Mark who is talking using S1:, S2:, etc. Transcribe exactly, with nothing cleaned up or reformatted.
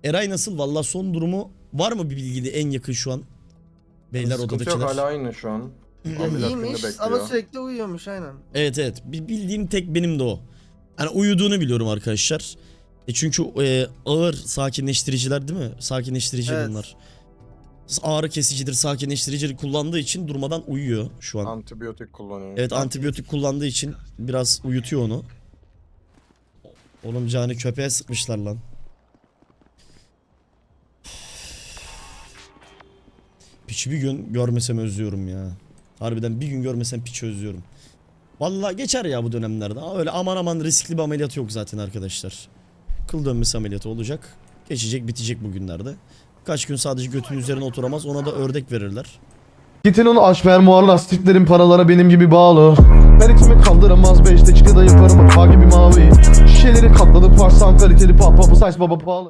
S1: Eray nasıl? Valla son durumu var mı bir bilgide en yakın şu an? Beyler
S2: Sıkıntı
S1: odadakiler.
S2: yok, hala aynı şu an.
S3: Ya
S2: Ameliyat
S3: iyiymiş
S2: gününü
S3: ama
S2: bekliyor.
S3: sürekli uyuyormuş aynen.
S1: Evet evet. Bir bildiğim tek benim de o. Hani uyuduğunu biliyorum arkadaşlar. E çünkü e, ağır sakinleştiriciler değil mi? Sakinleştirici
S3: Evet.
S1: bunlar. Ağrı kesicidir, sakinleştiricidir kullandığı için durmadan uyuyor şu an.
S2: Antibiyotik kullanıyor.
S1: Evet, antibiyotik kullandığı için biraz uyutuyor onu. Oğlum canı köpeğe sıkmışlar lan. Piçi bir gün görmesem özlüyorum ya. Harbiden bir gün görmesem piçi özlüyorum. Vallahi geçer ya bu dönemlerde. Öyle aman aman riskli bir ameliyat yok zaten arkadaşlar. Kıl dönmesi ameliyatı olacak. Geçecek, bitecek bugünlerde. Kaç gün sadece götünün üzerine oturamaz. Ona da ördek verirler.
S4: Gitin onu aç fermuar lastiklerin paralara benim gibi bağlı. Ben içimi kaldıramaz beşte çıkı da yaparım hata gibi mavi. Şişeleri katladı parsan kaliteli pap pap size baba pahalı.